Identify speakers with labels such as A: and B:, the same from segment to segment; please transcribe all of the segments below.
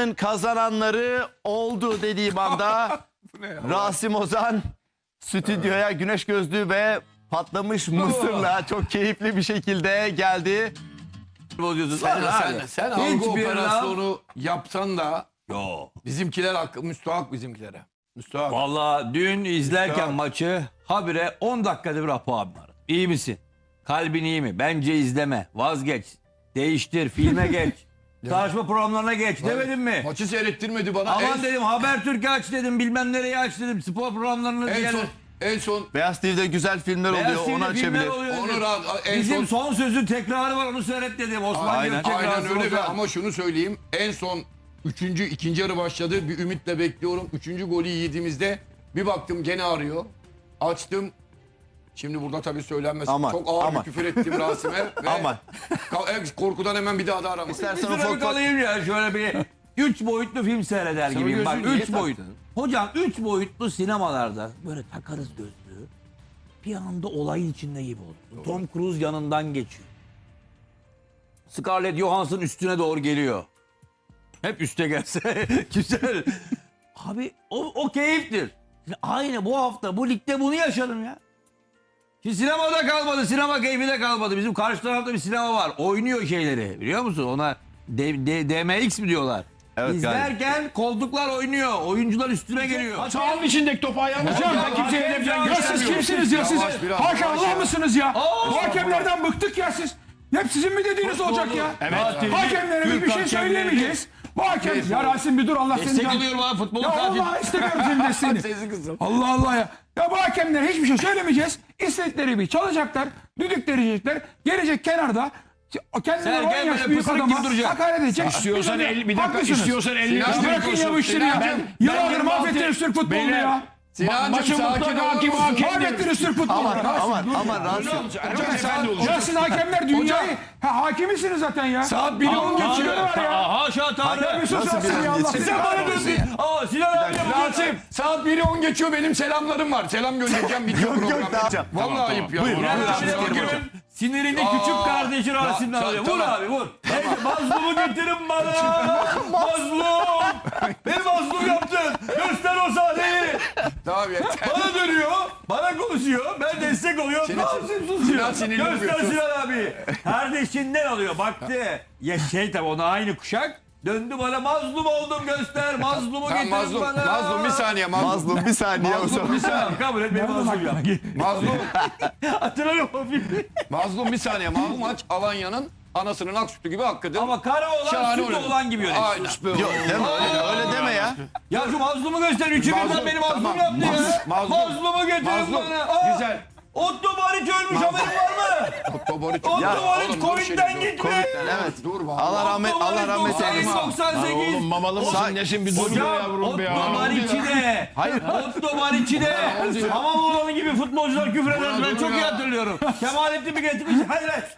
A: haftanın kazananları oldu dediğim anda Rasim Ozan stüdyoya güneş gözlüğü ve patlamış mısırla çok keyifli bir şekilde geldi.
B: Sen algı operasyonu yapsan da bizimkiler müstahak bizimkilere. Müstahak.
C: Valla dün izlerken maçı habire 10 dakikada bir Apo abi var. İyi misin? Kalbin iyi mi? Bence izleme. Vazgeç. Değiştir. Filme geç. Tartışma programlarına geç. Demedim mi?
B: Maçı seyrettirmedi bana.
C: Aman dedim Habertürk'ü aç dedim. Bilmem nereye aç dedim. Spor programlarını
B: En son
A: Beyaz TV'de güzel filmler oluyor, onu açabilir.
C: Bizim son sözün tekrarı var, onu seyret dedim. Osman
A: Aynen.
B: aynen öyle ama şunu söyleyeyim. En son ikinci yarı başladı. Bir ümitle bekliyorum. 3. golü yediğimizde bir baktım gene arıyor. Açtım. Şimdi burada tabii söylenmez.
A: Aman,
B: Çok ağır
A: aman.
B: bir küfür ettim Rasim'e. Ve
A: Aman.
B: Korkudan hemen bir daha da aramadım.
A: İstersen
C: Bir
A: ufak
C: kalayım ya şöyle bir 3 boyutlu film seyreder gibiyim. Bak 3 boyut. Hocam 3 boyutlu sinemalarda böyle takarız gözlüğü. Bir anda olayın içinde gibi olur. Tom Cruise yanından geçiyor. Scarlett Johansson üstüne doğru geliyor. Hep üste gelse güzel. Abi o keyiftir. Aynı bu hafta bu ligde bunu yaşadım ya. Şimdi sinemada kalmadı, sinema keyfi de kalmadı. Bizim karşı tarafta bir sinema var. Oynuyor şeyleri biliyor musun? Ona DMX mi diyorlar?
A: Evet,
C: İzlerken koltuklar oynuyor. Oyuncular üstüne geliyor.
D: Sahanın içindeki topu ayağına hocam. Kimseye hedef falan
E: Ya siz
D: göstermiyor.
E: kimsiniz ya siz?
B: Yavaş, biraz
E: Hakan
B: yavaş
E: Allah
B: ya.
E: mısınız ya? Bu hakemlerden bıktık ya siz. Hep sizin mi dediğiniz olacak ya?
D: Evet.
E: Hakemlere biz bir
C: Türk
E: şey
C: hakemleri-
E: söyleyemeyeceğiz. Bu hakem... Ya Rasim bir dur Allah seni...
C: Destek alıyorum abi futbolun
E: Ya
C: katili.
E: Allah istemiyorum senin desteğini.
B: Sesi kızım.
E: Allah Allah ya. Ya bu hakemlere hiçbir şey söylemeyeceğiz. İstedikleri bir çalacaklar. Düdük verecekler. Gelecek kenarda. Kendileri
C: Sen
E: 10
C: gel
E: yaş
C: böyle
E: büyük
C: pısırık
E: adama
C: gibi duracaksın.
E: hakaret edecek.
D: İstiyorsan
E: Biz
D: 50 bir dakika
E: haklısınız.
D: istiyorsan 50
B: Sinan,
E: Bırakın ya bu işleri ya.
B: Sinan,
E: Yıllardır mahvettiniz Türk futbolunu ya.
B: Sinancım
D: Maçın
B: sakin
D: mutlaka
B: olur
D: hakim
B: musun?
D: hakem.
E: Mahvettiniz Türk futbolunu.
A: Aman Rasim.
D: Hocam efendi olacak.
E: Ya siz hakemler dünyayı hakimisiniz zaten ya.
B: Saat 1'i 10 geçiyor.
E: var ya.
C: Haşa Tanrı.
E: Bir sus
A: Nasıl
E: Rasim
A: bir
E: ya Allah.
A: geçti?
C: Sen bana döndün. Aa Sinan abi
B: Rasim saat 1'i 10 geçiyor, benim selamlarım var. Selam göndereceğim, bitiyor
A: Yok,
B: program.
A: daha yapacağım.
B: Vallahi ayıp ya.
A: Buyurun.
C: Sinirini küçük kardeşi Rasim'den alıyor. Vur
B: tamam.
C: abi vur. Mazlumu getirin bana. Mazlum. Beni mazlum yaptın. Göster o sahneyi.
B: Tamam yeter.
C: Bana dönüyor. Bana konuşuyor. Ben destek oluyorum. Rasim susuyor.
B: Sinan sinirli
C: Göster
B: oluyor.
C: Sinan abi. Kardeşinden alıyor. Baktı. Ya tabi ona aynı kuşak. Döndü bana mazlum oldum göster. Mazlumu
B: Tamam,
C: getirin
B: mazlum,
C: bana.
B: mazlum bir saniye mazlum.
A: Mazlum bir saniye o zaman.
B: Bir saniye.
C: Tamam kabul et beni mazlum yap.
B: Mazlum,
C: Hatırlarım o filmi.
B: mazlum bir saniye. Bu maç Alanya'nın anasının ak sütü gibi hakkıdır.
C: Ama kara olan
B: Şahane
C: süt
B: oynadı.
C: olan gibi yönetti.
B: Aynen.
A: Yok deme öyle deme ya.
C: Ya şu mazlumu göster. Üçü birden
B: Mazlum,
C: beni mazlum
B: tamam.
C: yaptı ya.
B: Mazlum.
C: Mazlumu getirin
B: Mazlum.
C: bana. Aa,
B: Güzel.
C: Otto Bariç ölmüş haberin var mı?
B: Otto Bariç.
C: Otto Bariç
B: oğlum, dur
C: Covid'den
B: şimdi, dur.
C: gitmiş.
A: Evet.
B: Dur be.
A: Allah rahmet eylesin.
C: 98.
D: Oğlum mamalı mısın nesin bir dur be
C: Hocam
D: yavrum be ya.
C: Otto Bariç'i de.
A: Hayır.
C: Otto Bariç'i de. Hamam oğlanı gibi futbolcular küfür eder. Ben çok iyi hatırlıyorum. Kemalettin mi getirmiş? Hayır hayır.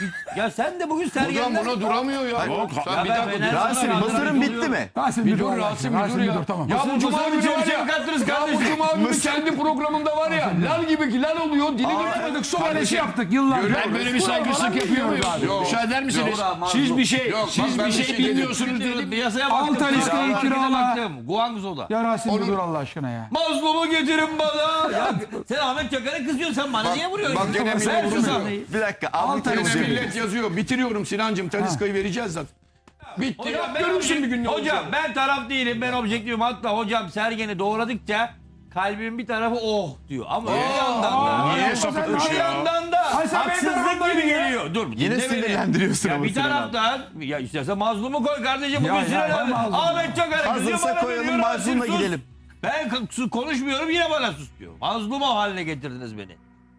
C: Ya sen de bugün
B: Hocam
C: sergenden.
B: buna duramıyor ya. Sen bir dakika dur.
A: Rasim mısırın bitti mi?
E: Rasim
B: Bir
E: bir dur
B: dur
E: Allah
B: Rasim,
E: aşkına.
B: bir dur ya.
E: Dur tamam.
B: Ya bu Cuma
C: Mısır
B: günü var
C: bize
B: ya.
C: mi kattınız
B: Ya bu
C: kardeşim?
B: Cuma günü kendi programında var ya. Lal gibi lal oluyor. Dili
E: Yapmadık su kalesi yaptık yıllardır.
D: Ben böyle bir saygısızlık yapıyor muyum?
B: Yok.
D: Müsaade eder misiniz?
C: Yok, mazlum.
D: Siz bir şey,
B: Yok,
D: siz
B: bak ben
D: bir
B: bir
D: şey
B: şey
D: bilmiyorsunuz dedim.
C: Piyasaya baktım.
E: Altay İskele'yi
C: Harekete
E: kirala.
C: baktım. Guangzhou'da.
E: Ya Rasim bir dur Allah aşkına ya.
C: Mazlumu getirin bana. Ya sen Ahmet Çakar'a kızıyorsun, sen bana niye vuruyorsun?
B: bak gene millet
C: Ver şu
B: vurmuyor.
C: sahneyi.
A: Bir dakika.
E: Altay
A: Altay
B: Gene millet yazıyor. Bitiriyorum Sinancım. Taliska'yı vereceğiz zaten. Bitti.
C: Hocam ben,
B: Görürsün bir gün ne
C: hocam
B: olacak.
C: ben taraf değilim, ben objektifim. Hatta hocam Sergen'i doğradıkça kalbimin bir tarafı oh diyor. Ama bir yandan da.
D: Niye sapıtmış
C: Bir
D: ya?
C: yandan da
E: Ay sen benim
C: haksızlık
E: tarafımdan
C: gibi
E: ya.
C: geliyor. Dur.
A: Yine
C: dinle beni.
A: sinirlendiriyorsun
C: Ya
A: ama
C: bir
A: Sinan abi.
C: taraftan ya istersen mazlumu koy kardeşim.
E: Ya,
C: Bugün
E: ya,
C: Sinan abi.
E: mazlum.
C: Ahmet Çakar'a kızıyor,
A: Hazırsa
C: bana
A: koyalım,
C: dönüyor,
A: mazlumla
C: Rasim sus.
A: gidelim.
C: Ben konuşmuyorum, yine bana sus diyor. Mazlum o haline getirdiniz beni.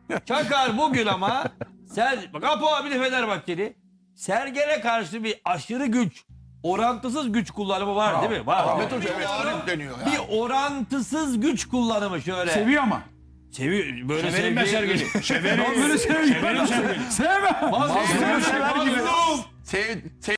C: Çakar bugün ama bak Apo abi de Fenerbahçeli. Sergen'e karşı bir aşırı güç, orantısız güç kullanımı var değil mi? Var.
B: Ahmet Hoca evet arif deniyor ya.
C: Bir orantısız güç kullanımı şöyle.
E: Seviyor ama.
C: Seviyor. Böyle
D: Severim ben Sergen'i. Severim.
E: Böyle seviyor.
D: Severim Sergen'i.
E: Sevme.
C: Mazlum.
A: sever gibi.
C: Mazlum.
B: Sev